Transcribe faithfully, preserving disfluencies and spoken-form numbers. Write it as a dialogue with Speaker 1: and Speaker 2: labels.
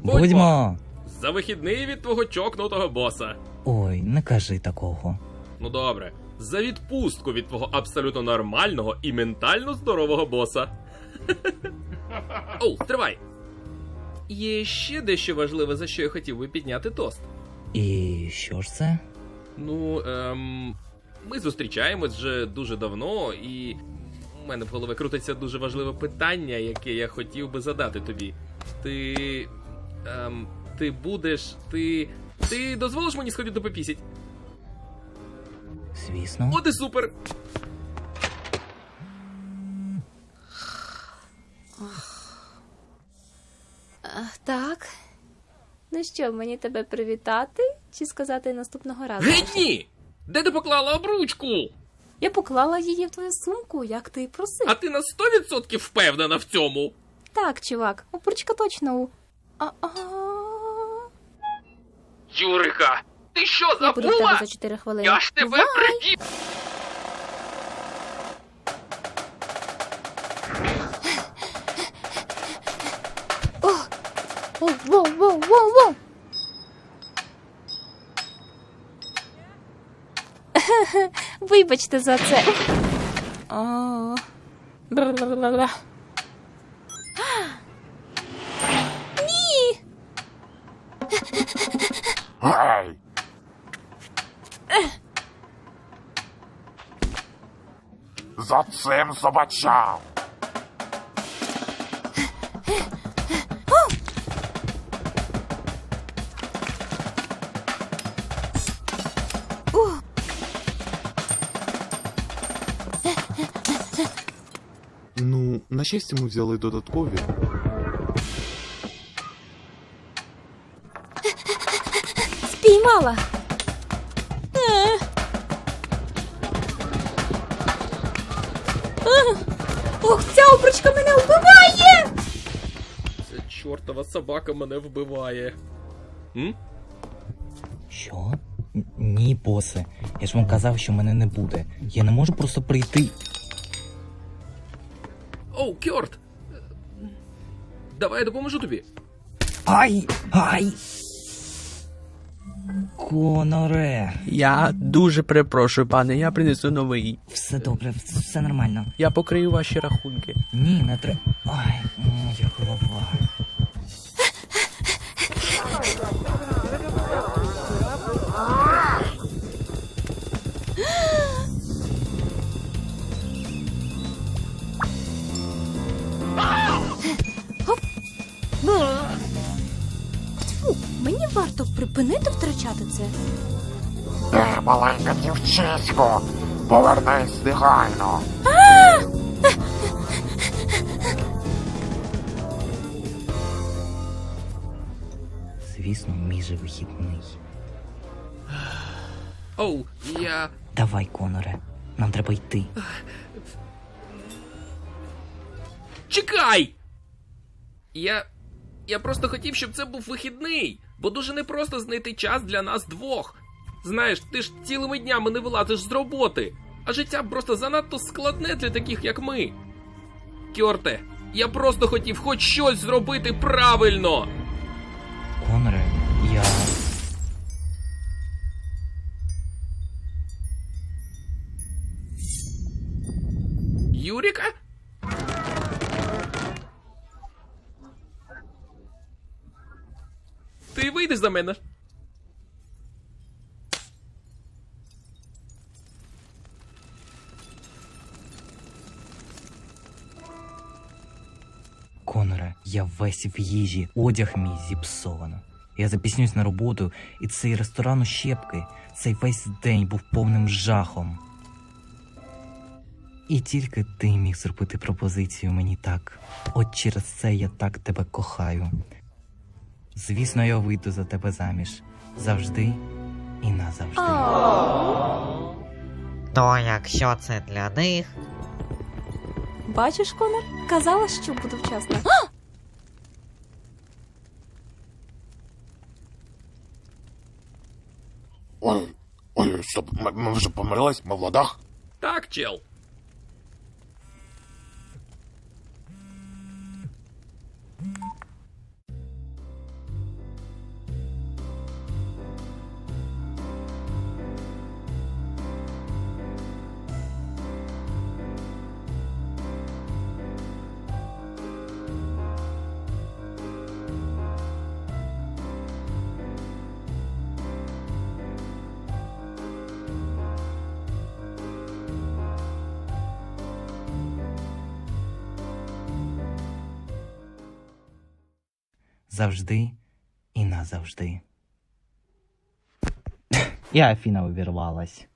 Speaker 1: Будьмо!
Speaker 2: За вихідний від твого чокнутого боса.
Speaker 1: Ой, не кажи такого.
Speaker 2: Ну добре. За відпустку від твого абсолютно нормального і ментально здорового боса. Оу, стривай! Є ще дещо важливе, за що я хотів би підняти тост.
Speaker 1: І що ж це?
Speaker 2: Ну, ем... ми зустрічаємось вже дуже давно, і у мене в голові крутиться дуже важливе питання, яке я хотів би задати тобі. Ти... Ем... Ти будеш... Ти... Ти дозволиш мені сходити попісять?
Speaker 1: Звісно.
Speaker 2: От і супер!
Speaker 3: Так. Ну що, мені тебе привітати чи сказати наступного разу?
Speaker 2: Геть ні! Де ти поклала обручку?
Speaker 3: Я поклала її в твою сумку, як ти і просив.
Speaker 2: А ти на сто відсотків впевнена в цьому?
Speaker 3: Так, чувак, обручка точно у... А-а...
Speaker 2: Юрика, ти що,
Speaker 3: Я буду в тебе за чотири хвилини.
Speaker 2: Я ж тебе
Speaker 3: Бувай!
Speaker 2: приб'ю!
Speaker 3: О, воу, воу, воу, воу! Вибачте за це. О. Бр-бр-бр-бр. Ні!
Speaker 4: Гей! За цим собачам!
Speaker 5: Ну, на щастя, ми взяли додаткові.
Speaker 3: Спіймала! Е. Е. Ох, ця обручка мене вбиває!
Speaker 2: Ця чортова собака мене вбиває. М?
Speaker 1: Що? Н- Ні, босе. Я ж вам казав, що мене не буде. Я не можу просто прийти.
Speaker 2: Оу, Кьорт! Давай я допоможу тобі.
Speaker 1: Ай! Ай! Коноре!
Speaker 6: Я дуже перепрошую, пане, я принесу новий.
Speaker 1: Все добре, все нормально.
Speaker 6: Я покрию ваші рахунки.
Speaker 1: Ні, не треба. Ай, моя голова.
Speaker 3: Фу, мені варто припинити втрачати це.
Speaker 4: Ти, маленька дівчисько! Повернись негайно!
Speaker 1: Звісно, мій же вихідний.
Speaker 2: Оу, я...
Speaker 1: Давай, Коноре, нам треба йти.
Speaker 2: Чекай! Я... Я просто хотів, щоб це був вихідний, бо дуже непросто знайти час для нас двох. Знаєш, ти ж цілими днями не вилазиш з роботи, а життя просто занадто складне для таких, як ми. Кьорте, я просто хотів хоч щось зробити правильно.
Speaker 1: Коноре, я...
Speaker 2: Юріка? Ти вийдеш за мене?
Speaker 1: Коноре, я весь в їжі, одяг мій зіпсовано. Я запіснюсь на роботу, і цей ресторан у щепки, цей весь день був повним жахом. І тільки ти міг зробити пропозицію мені так. От через це я так тебе кохаю. Звісно, я вийду за тебе заміж. Завжди і назавжди.
Speaker 7: То якщо це для них,
Speaker 3: Бачиш, Конор? Казала, що буду вчасно.
Speaker 4: Ой, ой, стоп, ми, ми вже помирились, ми в ладах?
Speaker 2: Так, чел.
Speaker 1: завжди і назавжди. І Афіна увірвалась.